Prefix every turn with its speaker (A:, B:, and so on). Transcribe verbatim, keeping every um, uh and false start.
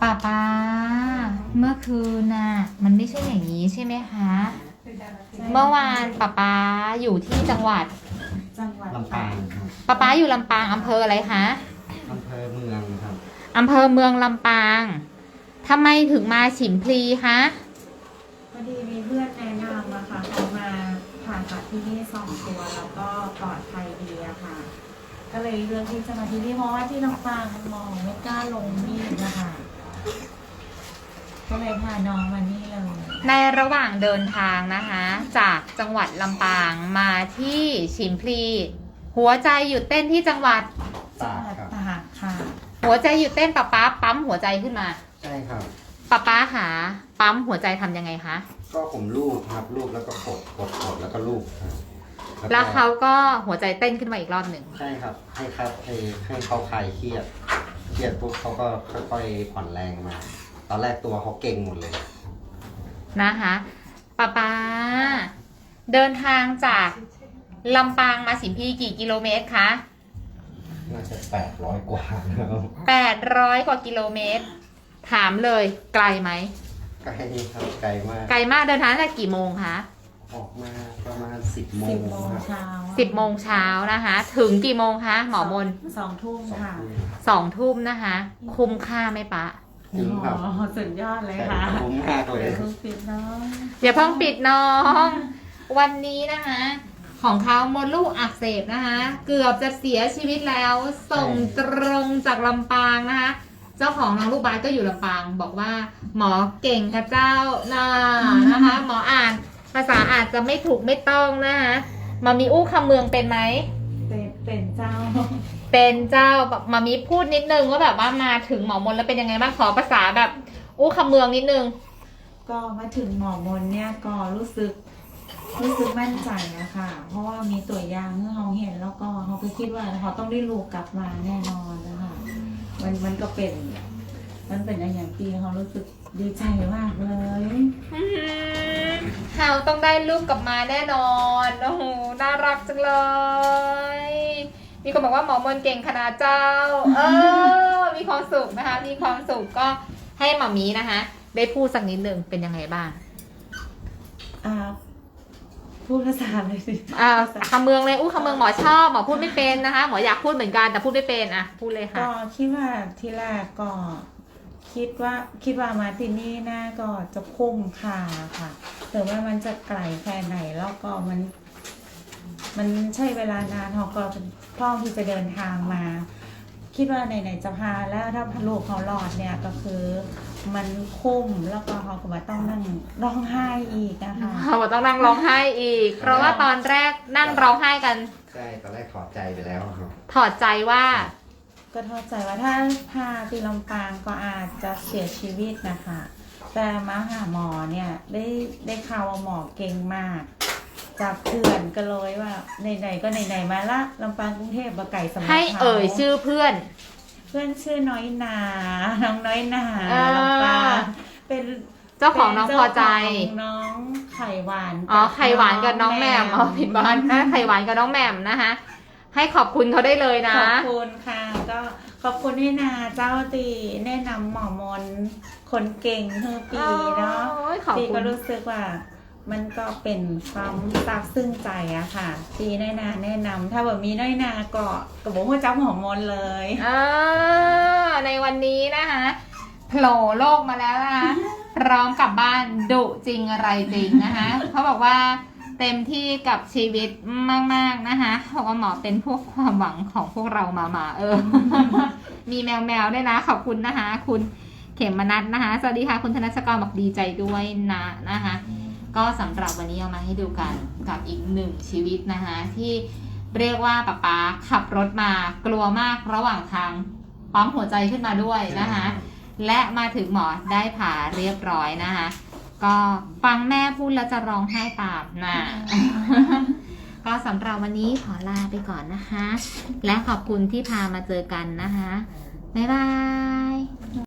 A: ป้าป้าเมื่อคืนน่ะมันไม่ใช่อย่างนี้ใช่ไหมคะเมื่อวานป้าป้าอยู่ที่จังหวัด
B: จังหวัด
C: ลำปางครับ
A: ป้าป้าอยู่ลำปางอำเภออะไรคะ
C: อำเภอเมืองครับ
A: อำเภอเมืองลำปางทำไมถึงมาฉิมพลีคะ
B: พอดีมีเพื่อนแนะนำอะค่ะเขามาผ่าตัดที่นี่สองตัวแล้วก็ปลอดภัยดีอะค่ะก็เลยเลือกที่จะมาที่นี่เพราะว่าที่ลำปางมองไม่กล้าลงมีดนะคะก็เลยพาน้องมานี่เลย
A: ในระหว่างเดินทางนะคะจากจังหวัดลำปางมาที่ฉิมพลีหัวใจหยุดเต้นที่จังหวัด
C: ตากครับ
B: ตากค่ะ
A: หัวใจหยุดเต้นป้าป้าปั๊มหัวใจขึ้นมา
C: ใช่ครับ
A: ป้าป้าหาปั๊มหัวใจทำยังไงคะ
C: ก็ผมลูบครับลูบแล้วก็กดกดกดแล้วก็ลูบครับ
A: แล้วเขาก็หัวใจเต้นขึ้นมาอีกรอบหนึ่ง
C: ใช่ครับให้ครับให้ให้เขาคลายเครียดเครียดปุ๊บเขาก็ค่อยๆผ่อนแรงมา ตอนแรกตัวเขาเก่งหมดเลย
A: นะคะป้าป้าเดินทางจากลำปางมาฉิมพลีกี่กิโลเมตรคะ
C: น่าจะแปดร้อยกว่าแล้ว
A: แปดร้อยกว่ากิโลเมตรถามเลยไกลไหม
C: ไกลครับไกลมาก
A: ไกลมากเดินทางตั้งแต่กี่โมงคะ
C: ออกมาประมาณสิบโมง
B: สิบโมงเช้า
A: สิบโมงเช้านะคะถึงกี่โมงคะหมอมน
B: สองทุ่มค่ะ
A: สองทุ่มนะคะคุ้มค่าไหมปะ
C: คุ้มครับ
B: สุดยอดเลยค่ะ
C: คุ้มมากเลย
B: เดี๋ยวเพิ่งปิดน้อง
A: อย่าเพิ่งปิดน้องวันนี้นะคะของเขามดลูกอักเสบนะคะเกือบจะเสียชีวิตแล้วส่งตรงจากลำปางนะคะเจ้าของน้องลูกบาสก็อยู่ลำปางบอกว่าหมอเก่งค่ะเจ้าน่านะคะหมออ่านภาษาอาจจะไม่ถูกไม่ต้องนะคะมามีอู้คำเมืองเป็นไหม
B: เป็นเป็นเจ้า
A: เป็นเจ้ามามีพูดนิดนึงว่าแบบว่ามาถึงหมอมนแล้วเป็นยังไงบ้างขอภาษาแบบอู้คำเมืองนิดนึง
B: ก็มาถึงหมอมนเนี่ยก็รู้สึกรู้สึกมั่นใจนะคะเพราะว่ามีตัวอย่างที่เขาเห็นแล้วก็เขาก็คิดว่าเขาต้องได้ลูกกลับมาแน่นอนนะคะมันมันก็เป็นมันเป็นอย่างที่เขารู้สึกดีใจมากเลย
A: เขาต้องได้ลูกกลับมาแน่นอนโอ้โหน่ารักจังเลยมีคนบอกว่าหมอมนเก่งขนาดเจ้าเออมีความสุขนะคะมีความสุขก็ให้หมอมีนะคะได้พูดสักนิดหนึ่งเป็นยังไงบ้าง
B: อ่าพูดภาษาเลยสิ
A: อ่าคำเมืองเลยอู้คำเมืองหมอชอบหมอพูดไม่เป็นนะคะหมออยากพูดเหมือนกันแต่พูดไม่เป็นอ่ะพูดเลยค่ะ
B: ก็คิดว่าที่แรกก็คิดว่าคิดว่ามาที่นี่น่าก็จะคุ้มค่าค่ะแต่ว่ามันจะไกลแค่ไหนแล้วก็มันมันใช่เวลานานเขาก็พร้อมที่จะเดินทางมาคิดว่าไหนๆจะพาแล้วถ้าลูกเขาหลอดเนี่ยก็คือมันคุ้มแล้วก็เขาก็มาต้องนั่งร้องไห้อีกนะคะ
A: เขาต้องนั่งร้องไห้อีกเพราะว่าตอนแรกนั่งร้องไห้กัน
C: ใช่ตอนแรกถอดใจไปแล้วครับ
A: ถอดใจว่า
B: ก็ถอดใจว่าถ้าพาที่ลำปางก็อาจจะเสียชีวิตนะคะแต่มาหาหมอเนี่ยได้ได้ข่าวว่าหมอเก่งมากจากเพื่อนก็เลยว่าไหนๆก็ไหนๆมาละลำปางกรุงเทพบะไก่สมัย
A: ให้เอ่ยชื่อเพื่อน
B: เพื่อนชื่อน้อยนาน้องน้อยนาลำปางเป็น
A: เจ้าของน้องพอใจ
B: น้องไข่หวาน
A: อ๋อไข่หวานกับน้องแหม่มอ๋อผิดบ้านนะไข่หวานกับน้องแหม่มนะคะให้ขอบคุณเขาได้เลยนะ
B: ขอบคุณค่ะก็ขอบคุณให้นาเจ้าตีแนะนำหมอมนคนเก่งเธอปีเนาะปีก็รู้สึกว่ามันก็เป็นความซาบซึ้งใจอะค่ะปีน้อยนาแนะนำถ้าแบบมีน้อยนาก็กระบอกว่าเจ้าหมอมนเลย
A: เออในวันนี้นะคะโผล่โลกมาแล้วนะคะพร้อมกลับบ้านดุจริงอะไรจริงนะคะเขาบอกว่าเต็มที่กับชีวิตมากๆนะคะเพราะว่าหมอเป็นพวกความหวังของพวกเรามามาเออ มีแมวแมวด้วยนะขอบคุณนะคะคุณเขมนัทนะคะสวัสดีค่ะคุณธนชกรบอกดีใจด้วยนะนะคะก็สำหรับวันนี้เอามาให้ดูกันกับอีกหนึ่งชีวิตนะคะที่เรียกว่าป๊าป๊าขับรถมากลัวมากระหว่างทางปั๊มหัวใจขึ้นมาด้วยนะคะและมาถึงหมอได้ผ่าเรียบร้อยนะคะก็ฟังแม่พูดแล้วจะร้องไห้ตามนะก็สำหรับวันนี้ขอลาไปก่อนนะคะและขอบคุณที่พามาเจอกันนะคะบ๊ายบาย